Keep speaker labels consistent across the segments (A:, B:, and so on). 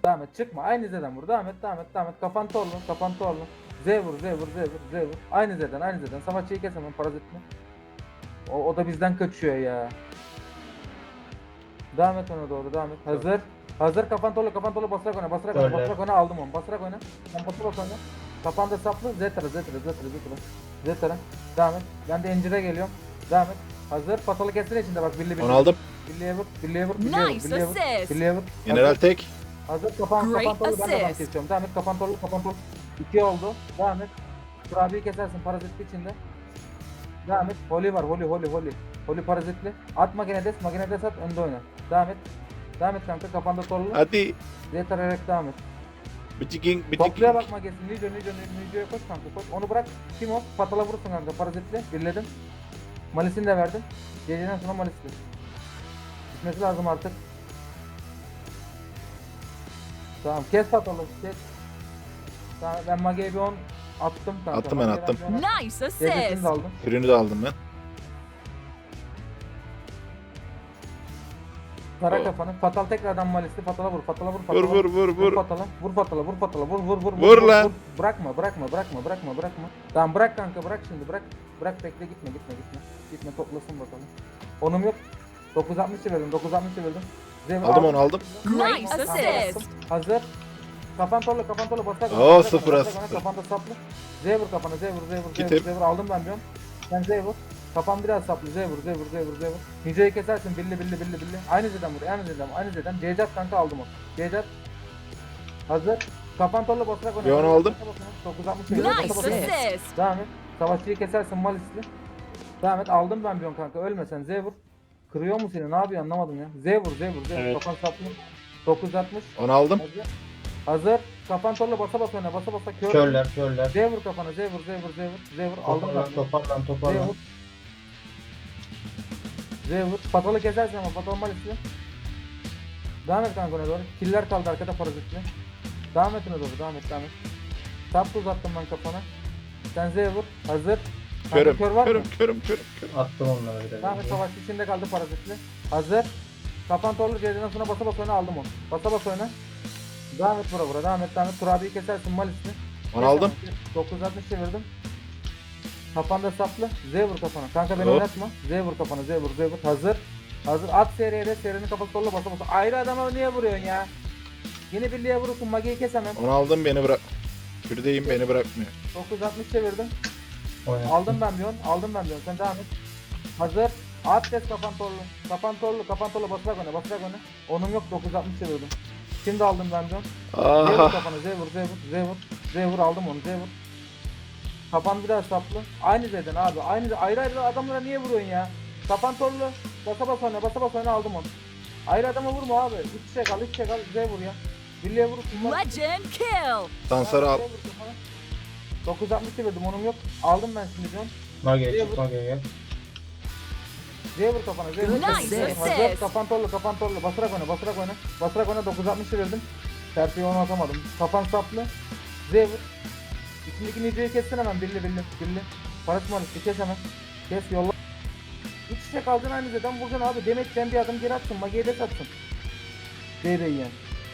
A: Devam et, çıkma. Aynı Z'den vur. Devam et. Kafan torlu. Z vur. Aynı Z'den. Savaşçıyı kes hemen, parazitini. O da bizden kaçıyor ya. Devam et ona doğru, devam et. Hazır, kafan torlu, basarak oyna.
B: Öyle.
A: Basarak oyna, aldım onu. Basarak oyna. Sen bas oyna. Kafanda saplı. Zetra. Devam et. Ben de encire geliyorum. Devam et. Hazır, patalı kestin içinde bak, birli.
C: Onu aldım.
A: Birliğe vur.
D: Nice assist.
C: General tek.
A: Hazır, kafan
D: Great
A: torlu, ben de adam
D: assist.
A: kesiyorum. Devam et, kafan torlu. 2 oldu. Devam et. Kurabiyi kesersin parazitli içinde. Devam et. Holy var, Holy parazitli. At magnedes at, önde oyna. Devam et kanka, kafanda torlu.
C: Hadi.
A: Zetarak devam et.
C: Bitiking.
A: Topluya bakma gelsin. Nico'ya koş kanka, koş. Onu bırak. Kim o? Patala vurursun kanka, parazitli. Birledim. Malisini de verdim. Geceden sonra malisli. Gitmesi lazım artık. Tamam, kes patalı, kes. Tamam, ben Mage'ye bir 10 attım kanka.
C: Attım ben,
A: Mage'ye
C: attım.
A: bir 10 attım.
D: Nice
A: Gecesini
D: assist.
A: de aldım.
C: Ürünü de aldım ben.
A: Kara
C: Oh.
A: kafanı. Fatal tekrardan malisli. Fatala vur.
C: Vur.
A: Fatala. Vur fatala.
C: Vur lan.
A: Bırakma. Tamam, bırak kanka, bırak şimdi, bırak. Bırak, bekle, gitme. Gitme, toplasın bakalım. Onum yok. 960 çevirdim. Zevr
C: Aldım onu, aldım.
D: Nice assist.
A: Hazır. Kafan torlu, basak.
C: Oo, sıfır as.
A: Kafanda saplı. Z vur kafana,
C: Gittim.
A: Z vur. Aldım ben diyorum. Sen Z vur. Kafan biraz saplı. Z vur. Nice'yi kesersin. Billi. Aynı Z'den vur. Aynı Z'den. Cecat kanka, aldım onu. Cecat. Hazır. Kafan torlu, basarak oyna.
C: Bir onu aldım.
A: 960
D: Nice
A: çevirdim.
D: assist.
A: Devam et. Savaşçıyı kesersin malisli. Devam et. Aldım ben bir on kanka. Ölmesen Z vur. Kırıyor mu seni? Ne yapıyor anlamadım ya. Z vur.
B: Evet.
A: Kafan saplı. 960.
C: Onu aldım.
A: Hazır. Kafan torlu, basa oyna. Basa kör.
B: Körler.
A: Z vur kafana. Z vur. Aldım ben.
B: Toparlan.
A: Z vur. Patalı kesersin ama patalı malisli. Devam et kanka ona doğru. Killer kaldı arkada, parazitli. Devam et ona doğru. Devam et. Tap uzattım ben kafana. Sen Z vur. Hazır. Kanka, kör var mı?
C: Körüm.
B: Attım onlara bir de.
A: Devam et, savaş içinde kaldı parazitli. Hazır. Kafan torlu, ceziden sonra basa oyna, aldım onu. Basa oyna. Devam et vura. Devam et. Kurabiyi kesersin malisli.
C: Onu aldım.
A: 960 çevirdim. Kafanda saplı. Z vur kafana. Kanka beni
C: Hop.
A: oynatma. Z vur kafana. Z vur. Hazır. At seriye, serinin kafası torlu, basa. Ayrı adama niye vuruyorsun ya? Yine birliğe vurursun. Mage'yi kes hemen.
C: Onu aldım, beni bırak. Kürdeyim, beni bırakmıyor.
A: 960 çevirdim.
B: Oynattım.
A: Aldım ben bir 10. Sen devam et. Hazır. At kes kafan torlu. Basarak oyna. Onum yok, 960 çevirdim. Şimdi aldım ben bir 10. Z vur
C: Ah.
A: kafana. Z vur, aldım onu. Z vur. Kafan biraz saplı. Aynı Z'den abi. Ayrı adamlara niye vuruyorsun ya? Kafan torlu. Basa oyna, aldım onu. Ayrı adama vurma abi. İç kal. Z vur ya. Birliğe vurursun.
D: Legend kill.
C: Sansar'ı al.
A: 960 çevirdim, onum yok. Aldım ben şimdi diyorum.
B: Mage'ye çık. Mage'ye.
A: Z vur kafana. Z vur.
D: Nice
A: Hazır.
D: assist.
A: Kafan torlu. Basarak oyna, 960 çevirdim. Terfiye onu atamadım. Kafan saplı. Z vur. İçindeki niceyi kessin hemen. Birli. Paras malisi kes hemen. Kes, yolla. İç içe kalacaksın, aynı Z'den vuracaksın abi. Demek sen bir adım geri atsın. Mage'ye de satsın. Z'de yiyen.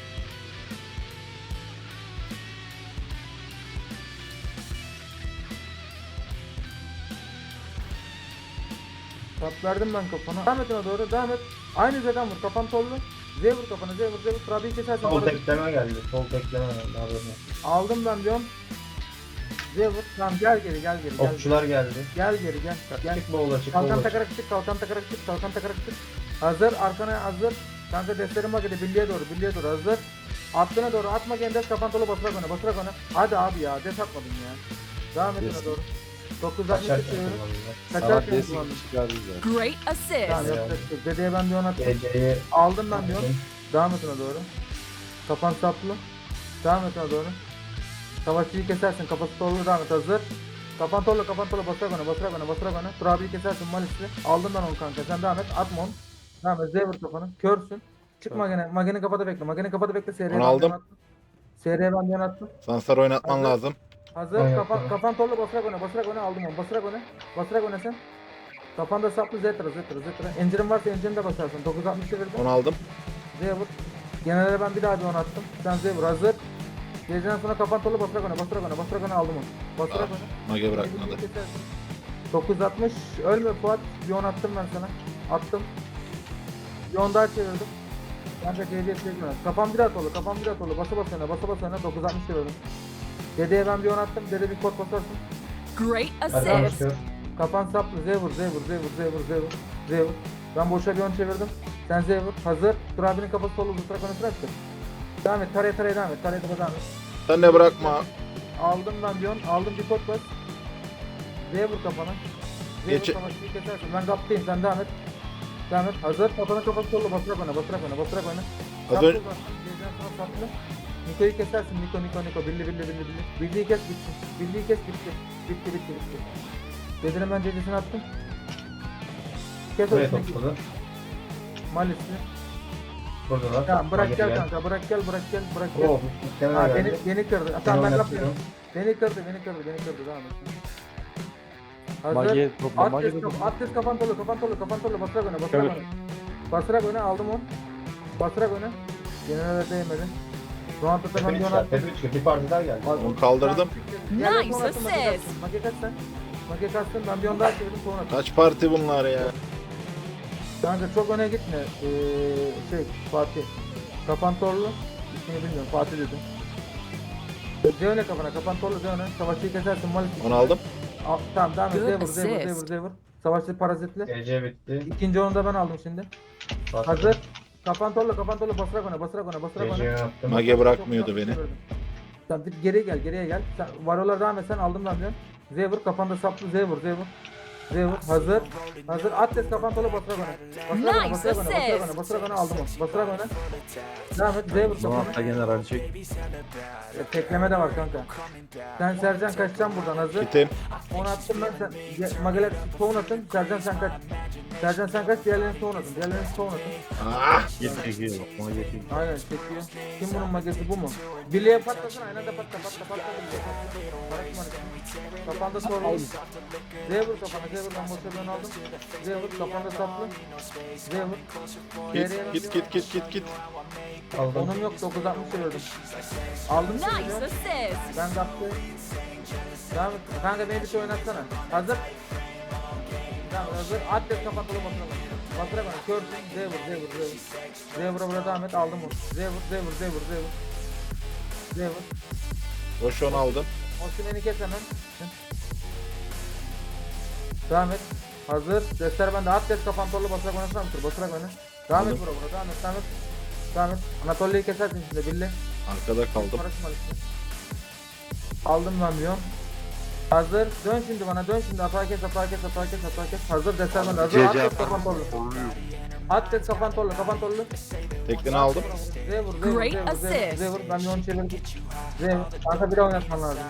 A: Tap verdim ben kafana. Devam et ona doğru. Aynı Z'den vur. Kafan torlu. Z vur kafana. Z vur. Kurabiyi kesersin.
B: Sol
A: Parazit.
B: tekleme geldi. Haberin olsun.
A: Aldım ben diyorum. Z vur. Tamam, gel geri.
B: Okçular geldi.
A: Gel geri.
B: Çık boğula çık
A: Kalkan
B: boğula.
A: takarak çık. Hazır, arkana hazır. Kanka destlerin bak, birliğe doğru. Hazır. Attığına doğru atma, gendes kafan tolu, basarak oyna. Hadi abi ya, des atmadın ya. Devam et ona doğru. 960
B: Kaçarken
A: çekiyorum.
B: kullanıldı.
A: Kaçarken kullandım.
D: Great
A: Tamam,
D: assist.
A: yapacak. Dedeye ben bir on attım.
B: Geceyi
A: Aldım ben diyorum. Devam et ona doğru. Kafan saplı. Devam et ona doğru. Savaşçıyı kesersin, kafası torlu, devam et, hazır. Kafan torlu, basarak oyna. Turabiyi kesersin malisli. Aldım ben onu kanka, sen devam et, atma onu. Devam et, Z vur kafanı, körsün. Çık Mage'nin kafada bekle.
C: Onu aldım.
A: Seriye ben yönettim.
C: Sansar oynatman
A: Hazır.
C: lazım.
A: Hazır, kafan torlu, basarak oyna, aldım onu. Basarak oyna sen. Kafanda saplı, Zetra. Encirin varsa encirini de basarsın. 960 çevirdim.
C: Onu aldım.
A: Z vur. Genelde ben bir daha bir 10 attım. Sen Zevur hazır. Geceden sonra kafan tolu basarak öne, basarak öne, basarak öne aldım onu. Basarak öne.
C: Mage bırakmadı.
A: 960 ölme Fuat. Bir 10 attım ben sana. Attım. Bir 10 daha çevirdim. Kanka CD'ye çekmiyorum. Kafam bir at oldu. Kafam bir at oldu. Basa basa öne. Basa basa öne. 960 çevirdim. Dede'ye ben bir 10 attım. Dede bir kod basarsın.
D: Great
B: Hadi
D: assist.
B: başlıyor.
A: Kafan saplı. Zevur. Zevur. Ben boşa bir 10 çevirdim. Sen Zevur. Hazır. Dur abinin kafası solu. Zıtrak öne sıraktır. Devam et. Taraya devam et. Taraya devam et.
C: Sen de bırakma.
A: Aldım ben bir 10. Aldım bir kod bas. Zevur kafana. Zevur
C: Geç-
A: kafası bir kesersin. Ben kaptayım. Sen devam et. Devam et. Hazır. Kafana kafası solu. Basarak öne. Basarak öne. Basarak öne.
C: Az önce-
A: Geceden sonra saplı. Niko'yu kesersin. Niko. Billi. Billiyi kes bitti. Billiyi kes bitti. Bitti. Dedenin ben cecesini attım. Kes
B: Buraya
A: orasını.
B: topladı.
A: Malisli.
B: Buradalar.
A: Tamam bırak
B: Mage
A: gel
B: gel.
A: kanka. Bırak gel.
B: Oh, istemem
A: Ha,
B: geldi.
A: beni kırdı. Ha,
B: Ben
A: tamam ben
B: oynatıyorum.
A: kapıyorum. Beni kırdı. Devam et. Hazır.
E: Mage topla, Mage
A: Atlas
E: topla.
A: Atlas kafan tolu. Basarak öne. Basarak öne aldım onu. Basarak öne. Generale değmedi. Round'da ben bir 10 attım.
B: Tepe 3 bir parti daha geldi.
C: Onu kaldırdım.
A: Yerden
D: Nice
A: son attım,
D: assist.
A: Mage kaçsın. Ben bir 10 daha çevirdim sonra attım.
C: Kaç parti bunlar ya?
A: Kanka çok öne gitme. Fatih. Kafan torlu. İsmini bilmiyorum. Fatih dedim. Zeyne kafana. Kafan torlu Zeyne. Savaşçıyı kesersin. Malis.
C: Onu aldım.
A: Tamam devam et.
D: Good
A: Zevur.
D: assist.
A: Savaşçı parazitli.
B: DC bitti.
A: İkinci onu da ben aldım şimdi. Hazır. Kafan torlu. Basarak öne.
B: DC'yi attım.
C: Mage bırakmıyordu beni.
A: Sen bir geriye gel. Sen varolar devam et. Sen aldım ben diyorum. Zevur kafanda saplı. Zevur. Hazır. Atlas kafan torlu basarak öne. Basarak öne aldım onu. Basarak öne. Devam et. Zevur
E: Donatla
A: kafana.
E: general çek.
A: Tekleme de var kanka. Sen Sercan kaçacaksın buradan hazır.
C: Gittim.
A: Onu attım ben sen Mageler tohum atın. Sercan sen kaç. Diğerlerini tohum atın.
C: Ah!
E: Git çekiyor. Ona geçiyor.
A: Aynen çekiyor. Kim bunun magesi bu mu? Birliğe patlasın aynen de patla. Bırakma. Kafanda sorun. Zevur kafana. Zevur ben boşa ben aldım. Zevur kafanda saplı. Zevur.
C: Git.
B: Aldım.
A: Onun yok 960 çevirdim. Aldım seni
D: Nice
A: diyorum.
D: assist.
A: Ben kaptım. Tamam kanka beni bir şey oynatsana. Hazır. Tamam hazır. Atlet kapatılı bakalım. Batıra bana körsün. Zevur. Zevur'a burada devam et aldım onu. Zevur.
C: Boş onu aldım.
A: Osman'ı kes hemen. Devam et. Hazır. Destler bende. Atlet kapantorlu basarak oynasana mısın? Basarak oyna. Devam et
C: Aldım.
A: bura. Devam et. Anatolia'yı kesersin şimdi Billy.
C: Arkada kaldım.
A: Karışma işte. Aldım ben diyorum. Hazır. Dön şimdi bana. Atağa kes. Hazır. Destler bende. Hazır.
E: CC
A: Atlet kapantorlu. Atlet kapantorlu.
C: Teklini aldım.
A: Zevur.
D: Great assist.
A: Zevur. Ben bir onu çevirdim. Zevur. Kanka bir de oynatman lazım.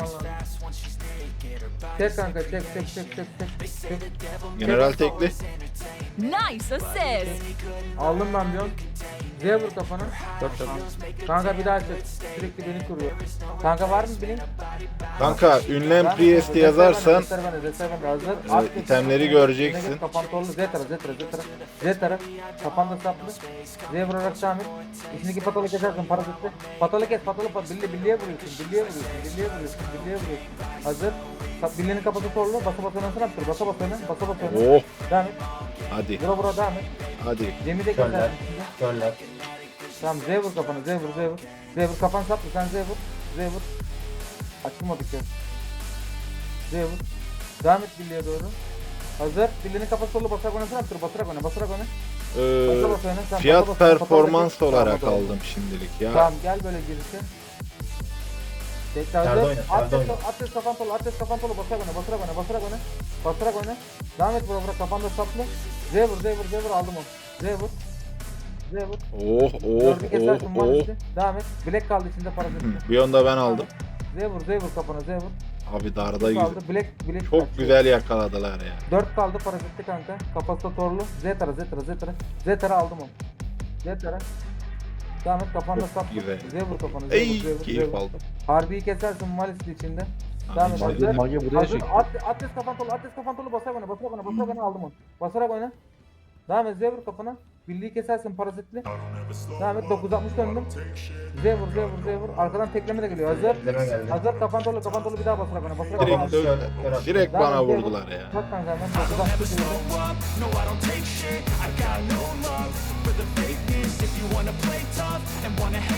A: Çek kanka. Çek.
C: General tekli.
D: Nice assist.
A: Aldım ben diyorum. Zevur kafana. Kanka bir daha çek. Sürekli beni kuruyor. Kanka var mı bilin?
C: Kanka ünlem Priest yazarsan itemleri göreceksin.
A: Kapantorlu Zetara. Kafanda saplı. Z vurarak devam et. İçindeki patalı kesersin parazitli. Patalı kes. Billiye vuruyorsun. Hazır. Billinin kafası torlu. Basa oynasın yaptır. Basa oyna.
C: Oh!
A: Devam et.
C: Hadi.
A: Vura devam et.
C: Hadi.
A: Cem'i de
B: Göller.
A: kesersin.
B: Göller.
A: Tamam Z vur kafana. Z vur kafan saplı. Sen Z vur. Açılmadık ya. Z vur. Devam et Billy'ye doğru. Hazır. Billy'nin kafası solu basarak oynasana yaptır. Basarak oyna. Sen
C: Fiyat
A: basa
C: performans
A: Tamam,
C: olarak
A: doğru.
C: aldım şimdilik ya.
A: Tamam gel böyle girişe. Tekrar
B: Nerede
A: hazır.
B: oyna, nerede oyna?
A: Atlet kafan tolu. Basarak oyna. Devam et vura kafanda saplı. Z vur aldım onu. Z vur.
C: Oh
A: Gördük esersin maalesef. Devam et. Black kaldı içinde parazitli.
C: Bir onda ben aldım.
A: Z vur kafana Z vur.
C: Abi dardayız.
A: Kaldı. Black
C: Çok
A: kaçıyor.
C: güzel yakaladılar ya.
A: 4 kaldı parazitli kanka. Kafası torlu. Zetara aldım onu. Zetara. Devam et kafanda sap.
C: Güzel.
A: Zevur kafana.
C: Ey keyif aldım.
A: Harbiyi kesersin malisli içinde. Devam et.
E: Mage,
A: Hazır.
E: Mage buraya
A: Hazır.
E: çek.
A: Atlet kafan tolu basarak oyna aldım onu. Basarak oyna. Devam et Zevur kafana. Birliği kesersin parazitli. Devam et 960 döndüm. Z vur Z vur Z vur. Arkadan tekleme de geliyor. Hazır.
B: Tekleme geldi.
A: Hazır kafan dolu bir daha basarak ona. Basarak
C: Direkt
A: ona.
C: dön. Direkt
A: Devam
C: bana
A: et, Z vur.
C: vurdular ya.
A: Bak kanka hemen 960 döndüm.
F: No, I don't take shit. I got no love for the fakeness. If you wanna play tough and wanna hate